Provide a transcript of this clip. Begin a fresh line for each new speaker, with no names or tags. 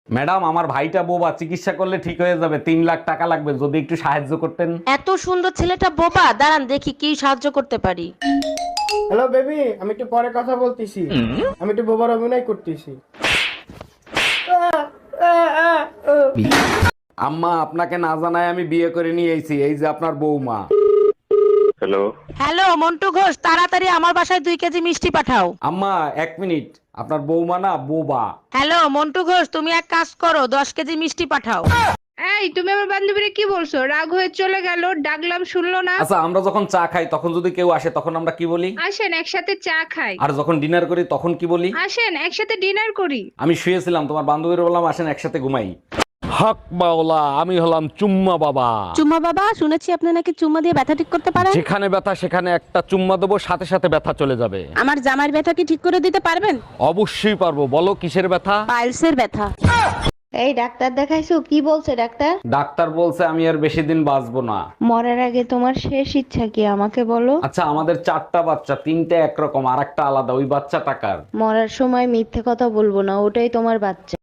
Madam, আমার ভাইটা বোবা, চিকিৎসা করলে ঠিক হয়ে যাবে, 3 লাখ টাকা লাগবে, যদি একটু সাহায্য করতেন।
এত সুন্দর ছেলেটা বোবা, দাঁড়ান দেখি কি সাহায্য করতে পারি।
হ্যালো বেবি, আমি একটু পরে কথা বলতেছি। আমি একটু বোবার অভিনয় করতেছি।
আম্মা, আপনাকে না জানায় আমি বিয়ে করে নিয়ে এসেছি, এই যে আপনার বৌমা।
হ্যালো।
হ্যালো মন্টু ঘোষ, তাড়াতাড়ি আমার বাসায় 2 কেজি মিষ্টি পাঠাও।
আম্মা 1 মিনিট, আপনার বৌমা না বোবা।
হ্যালো মন্টু ঘোষ, তুমি এক কাজ করো, 10 কেজি মিষ্টি পাঠাও।
এই তুমি আমার বান্ধবীরে কি বলছো? রাগ হয়ে চলে গেল, ডাকলাম শুনলো না।
আচ্ছা, আমরা যখন চা খাই তখন যদি কেউ আসে তখন আমরা কি বলি?
আসেন একসাথে চা খাই।
আর যখন ডিনার করি তখন কি বলি?
আসেন একসাথে ডিনার করি।
আমি শুয়েছিলাম, তোমার বান্ধবীর বললাম আসেন একসাথে ঘুমাই। হক মাওলা, আমি হলাম চুম্মা বাবা।
চুম্মা বাবা, শুনেছি আপনি নাকি চুম্মা দিয়ে ব্যথা ঠিক করতে পারেন।
যেখানে ব্যথা সেখানে একটা চুম্মা দেবো, সাথে সাথে ব্যথা চলে যাবে।
আমার জামাইয়ের ব্যথা কি ঠিক করে দিতে পারবেন?
অবশ্যই পারবো, বলো কিসের ব্যথা?
পাইলসের ব্যথা।
এই ডাক্তার দেখাইছো? কি বলছে ডাক্তার?
ডাক্তার বলছে আমি আর বেশি দিন বাঁচবো না।
মরার আগে তোমার শেষ ইচ্ছা কি আমাকে বলো?
আচ্ছা, আমাদের 4টা বাচ্চা, 3টে একরকম আর একটা আলাদা, ওই বাচ্চা টাকার।
মরার সময় মিথ্যে কথা বলবো না, ওটাই তোমার বাচ্চা।